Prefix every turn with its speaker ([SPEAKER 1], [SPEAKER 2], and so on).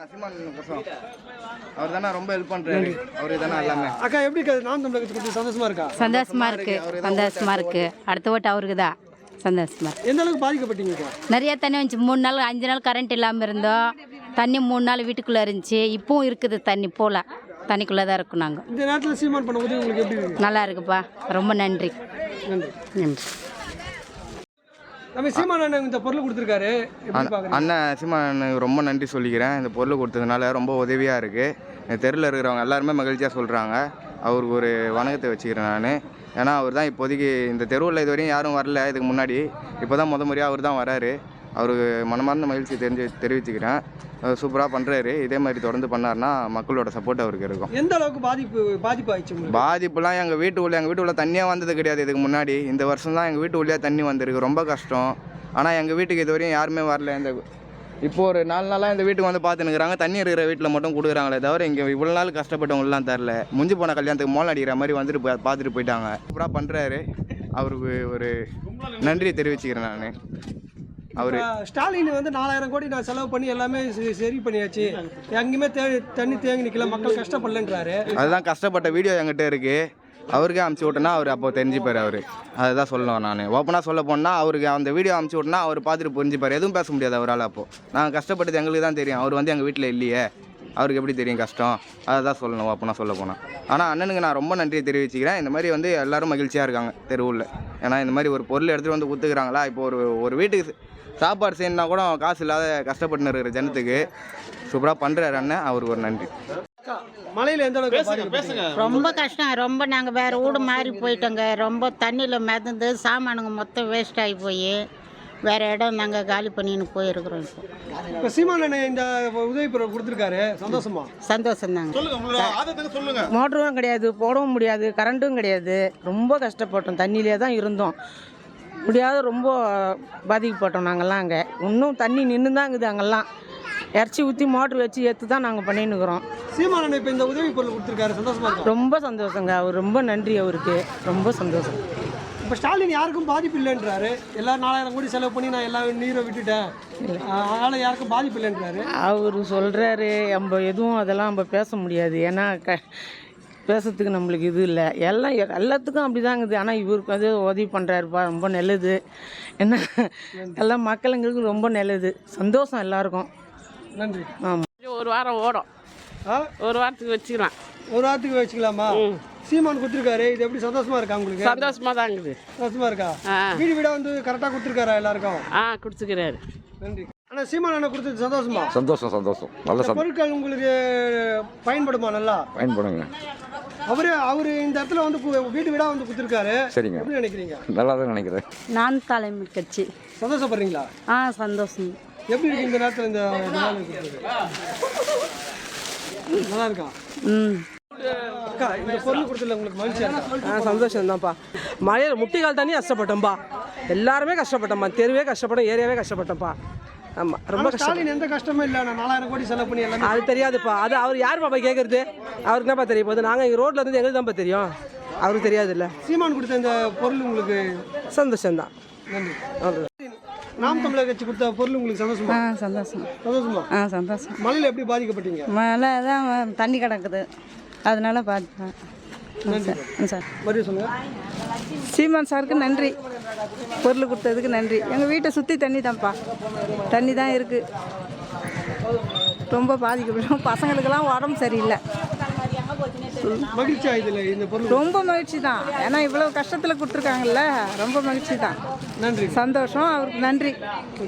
[SPEAKER 1] அவர் தானே ரொம்ப ஹெல்ப் பண்றாரு. அவரு தானே எல்லாமே.
[SPEAKER 2] அக்கா எப்படி நாம் தமிழக கட்சி கொடுத்து சந்தோஷமா இருக்கா?
[SPEAKER 3] சந்தோஷமா இருக்கு. அடுத்த ஓட்டு அவருக்கு தான். சந்தோஷமா இருக்கு.
[SPEAKER 2] எந்த அளவுக்கு பாதிக்கப்பட்டீங்க?
[SPEAKER 3] நிறைய தண்ணி வந்துச்சு. 3 நாள் 5 நாள் கரண்ட் இல்லாமல் இருந்தோம். தண்ணி 3 நாள் வீட்டுக்குள்ளே இருந்துச்சு. இப்பவும் இருக்குது தண்ணி போல. தண்ணிக்குள்ளே தான் இருக்கும் நாங்கள்.
[SPEAKER 2] இந்த நேரத்தில் சீமான் பண்ண உதவி உங்களுக்கு எப்படி இருக்கு?
[SPEAKER 3] நல்லா இருக்குப்பா. ரொம்ப நன்றி.
[SPEAKER 2] நம்ம சீமான் அண்ணன் இந்த பொருள் கொடுத்துருக்காரு.
[SPEAKER 1] அண்ணன் சீமான் அண்ணனுக்கு ரொம்ப நன்றி சொல்லிக்கிறேன். இந்த பொருள் கொடுத்ததுனால ரொம்ப உதவியாக இருக்குது. தெருவில் இருக்கிறவங்க எல்லாருமே மகிழ்ச்சியாக சொல்கிறாங்க. அவருக்கு ஒரு வணக்கத்தை வச்சுக்கிறேன் நான். ஏன்னா அவர் தான் இப்போதைக்கு இந்த தெருவில் இது வரையும் யாரும் வரல. இதுக்கு முன்னாடி இப்போ தான் முறையாக அவர் தான் வராரு. அவருக்கு மனமார்ந்த மகிழ்ச்சி தெரிவிச்சுக்கிறேன். சூப்பராக பண்ணுறாரு. இதே மாதிரி தொடர்ந்து பண்ணார்னா மக்களோட சப்போர்ட் அவருக்கு இருக்கும்.
[SPEAKER 2] எந்த அளவுக்கு பாதிப்பு ஆயிடுச்சு?
[SPEAKER 1] பாதிப்புலாம் எங்கள் வீட்டு உள்ள தண்ணியாக வந்தது கிடையாது இதுக்கு முன்னாடி. இந்த வருஷம் தான் எங்கள் வீட்டு உள்ளே தண்ணி வந்திருக்கு. ரொம்ப கஷ்டம். ஆனால் எங்கள் வீட்டுக்கு இது வரையும் யாருமே வரல. இப்போ ஒரு 4 நாளாக இந்த வீட்டுக்கு வந்து பார்த்துனுக்குறாங்க. தண்ணி இருக்கிற வீட்டில் மட்டும் கொடுக்குறாங்களே தவிர இங்கே இவ்வளோ நாள் கஷ்டப்பட்டவங்களாம் தரல. முடிஞ்சு போன கல்யாணத்துக்கு மோளம் அடிக்கிற மாதிரி வந்துட்டு பார்த்துட்டு போயிட்டாங்க. சூப்பராக பண்ணுறாரு. அவருக்கு ஒரு நன்றி தெரிவிச்சுக்கிறேன் நான். அவர்
[SPEAKER 2] ஸ்டாலின் வந்து 4000 கோடி நான் செலவு பண்ணி எல்லாமே சரி பண்ணியாச்சு, எங்கேயுமே தண்ணி தேங்கி நிற்கல, மக்கள் கஷ்டப்படலன்றாரு.
[SPEAKER 1] அதுதான் கஷ்டப்பட்ட வீடியோ என்கிட்ட இருக்குது. அவருக்கே அமுச்சு விட்டோன்னா அவர் அப்போ தெரிஞ்சுப்பார். அவர் அதை தான் சொல்லணும். நான் ஓப்பனாக சொல்ல போனால் அவருக்கு அந்த வீடியோ அமுச்சு விட்டோன்னா அவர் பார்த்துட்டு புரிஞ்சுப்பார். எதுவும் பேச முடியாது அவரால். அப்போது நாங்கள் கஷ்டப்பட்டது எங்களுக்கு தான் தெரியும். அவர் வந்து எங்கள் வீட்டில் இல்லையே, அவருக்கு எப்படி தெரியும் கஷ்டம்? அதை தான் சொல்லணும் ஓப்பனாக சொல்ல போனால். ஆனால் அண்ணனுக்கு நான் ரொம்ப நன்றியை தெரிவிச்சுக்கிறேன். இந்த மாதிரி வந்து எல்லோரும் மகிழ்ச்சியாக இருக்காங்க தெருவில். ஏன்னா இந்த மாதிரி ஒரு பொருள் எடுத்துகிட்டு வந்து கொடுத்துக்கிறாங்களா. இப்போ ஒரு வீட்டுக்கு சாப்பாடு செய்யணுன்னா கூட காசு இல்லாத கஷ்டப்பட்டு இருக்கிற ஜனத்துக்கு சூப்பராக பண்ணுறாரு அண்ணன். அவருக்கு ஒரு நன்றி.
[SPEAKER 2] மழையில் எந்த அளவுக்கு?
[SPEAKER 4] ரொம்ப கஷ்டம். ரொம்ப நாங்கள் வேறு வீடு மாறி போயிட்டோங்க. ரொம்ப தண்ணியில் மிதந்து சாமானுங்க மொத்தம் வேஸ்ட் ஆகி போய் வேறு இடம் நாங்கள் காலி பண்ணின்னு போயிருக்கிறோம்.
[SPEAKER 2] இப்போ சீமான் அண்ணன் இந்த உதவி பொருள் கொடுத்துருக்காரு. சந்தோஷமா?
[SPEAKER 4] சந்தோஷம் தாங்க.
[SPEAKER 5] மோட்டரும் கிடையாது, போடவும் முடியாது, கரண்ட்டும் கிடையாது. ரொம்ப கஷ்டப்பட்டோம். தண்ணியிலே தான் இருந்தோம். முடியாத ரொம்ப பாதிக்கப்பட்டோம் நாங்கள்லாம். அங்கே இன்னும் தண்ணி நின்று தான் இருக்குது. அங்கெல்லாம் இறச்சி ஊற்றி மோட்ரு வச்சு ஏற்று தான் நாங்கள் பண்ணின்னு இருக்கிறோம்.
[SPEAKER 2] சீமான் அண்ணன் இப்போ இந்த உதவி பொருள் கொடுத்துருக்காரு. சந்தோஷமா இருக்கு?
[SPEAKER 5] ரொம்ப சந்தோஷங்க. அவர் ரொம்ப நன்றி. அவருக்கு ரொம்ப சந்தோஷம்.
[SPEAKER 2] இப்போ ஸ்டாலின் யாருக்கும் பாதிப்பு இல்லைன்றாரு. எல்லாரும் 4000 கோடி செலவு பண்ணி நான் எல்லா நீரை விட்டுட்டேன், அதனால் யாருக்கும் பாதிப்பு இல்லைன்றாரு.
[SPEAKER 5] அவர் சொல்கிறாரு. நம்ம எதுவும் அதெல்லாம் நம்ம பேச முடியாது. ஏன்னா பேசுறதுக்கு நம்மளுக்கு இது இல்லை. எல்லாத்துக்கும் அப்படி தான் இருக்குது. ஆனால் இவருக்கு வந்து உதவி பண்ணுறாருப்பா. ரொம்ப நல்லது. என்ன எல்லாம் மக்களுங்களுக்கு ரொம்ப நல்லது. சந்தோஷம் எல்லாருக்கும்.
[SPEAKER 2] நன்றி.
[SPEAKER 5] ஆமாம்.
[SPEAKER 6] ஒரு வாரம் ஓடும். ஒரு வாரத்துக்கு வச்சுக்கலாம்.
[SPEAKER 2] ஒரு வாரத்துக்கு வச்சுக்கலாமா? சீமான் கொடுத்துருக்காரு. இது எப்படி சந்தோஷமா இருக்கா உங்களுக்கு?
[SPEAKER 6] சந்தோஷமா தான் இருக்குது.
[SPEAKER 2] சந்தோஷமா இருக்கா? வீடு வீடாக வந்து கரெக்டாக கொடுத்துருக்காரா எல்லாருக்கும்?
[SPEAKER 6] கொடுத்துக்கிறாரு.
[SPEAKER 2] நன்றி. ஆனால் சீமான் அண்ணன் கொடுத்தது சந்தோஷமா?
[SPEAKER 7] சந்தோஷம். நல்ல
[SPEAKER 2] பொருட்கள் உங்களுக்கு பயன்படுமா? நல்லா பயன்படுங்க. அவரு இந்த இடத்துல வந்து வீடு வீடாக வந்து கொடுத்துருக்காரு. சரிங்க. எப்படி நினைக்கிறீங்க? நல்லா தான் நினைக்கிறேன்.
[SPEAKER 3] நான் தலைமை கட்சி.
[SPEAKER 2] சந்தோஷப்படுறீங்களா?
[SPEAKER 3] சந்தோஷம்.
[SPEAKER 2] எப்படி இருக்கு இந்த நேரத்தில்? இந்த நல்லா இருக்கா? அக்கா, இந்த பொருள் கொடுத்துல உங்களுக்கு மகிழ்ச்சியா இருக்கா?
[SPEAKER 5] சந்தோஷம் தான்ப்பா. மழையில் முட்டிக்கால் தண்ணி கஷ்டப்பட்டோம்ப்பா. எல்லாருமே கஷ்டப்பட்டோம்ப்பா. தெருவே கஷ்டப்பட்டோம், ஏரியாவே கஷ்டப்பட்டோம்ப்பா. ஆமாம், ரொம்ப
[SPEAKER 2] ஸ்டாலின் எந்த கஷ்டமும் இல்லை. நான் 4000 கோடி செலவு பண்ணி எல்லாம்
[SPEAKER 5] அது தெரியாதுப்பா. அது அவர் யார் பாப்பா கேட்குறது? அவருக்கு என்னப்பா தெரிய போகுது? நாங்கள் இங்கே ரோட்டில் இருந்து எங்களுக்கு தான்ப்பா தெரியும். அவருக்கு தெரியாது இல்லை.
[SPEAKER 2] சீமான் கொடுத்த இந்த பொருள் உங்களுக்கு
[SPEAKER 5] சந்தோஷம்தான்.
[SPEAKER 2] நன்றி. நாம் தமிழக கட்சி கொடுத்த பொருள் உங்களுக்கு சந்தோஷமா? சந்தோஷமா?
[SPEAKER 3] சந்தோஷம்.
[SPEAKER 2] மழையில் எப்படி பாதிக்கப்பட்டீங்க?
[SPEAKER 3] மழை தான் தண்ணி கிடக்குது, அதனால பாதிப்பேன்.
[SPEAKER 2] சார் மறுபடியும் சொல்லுங்க.
[SPEAKER 3] சீமான் சாருக்கு நன்றி. பொருள் கொடுத்ததுக்கு நன்றி. எங்கள் வீட்டை சுற்றி தண்ணி தான்ப்பா. தண்ணி தான் இருக்குது. ரொம்ப பாதிக்கப்படும். பசங்களுக்கெல்லாம் உடம்பு சரியில்லை.
[SPEAKER 2] மகிழ்ச்சி ஆகுதுல்ல இந்த பொருள்?
[SPEAKER 3] ரொம்ப மகிழ்ச்சி தான். ஏன்னா இவ்வளோ கஷ்டத்தில் கொடுத்துருக்காங்கல்ல, ரொம்ப மகிழ்ச்சி தான்.
[SPEAKER 2] நன்றி.
[SPEAKER 3] சந்தோஷம். அவருக்கு நன்றி.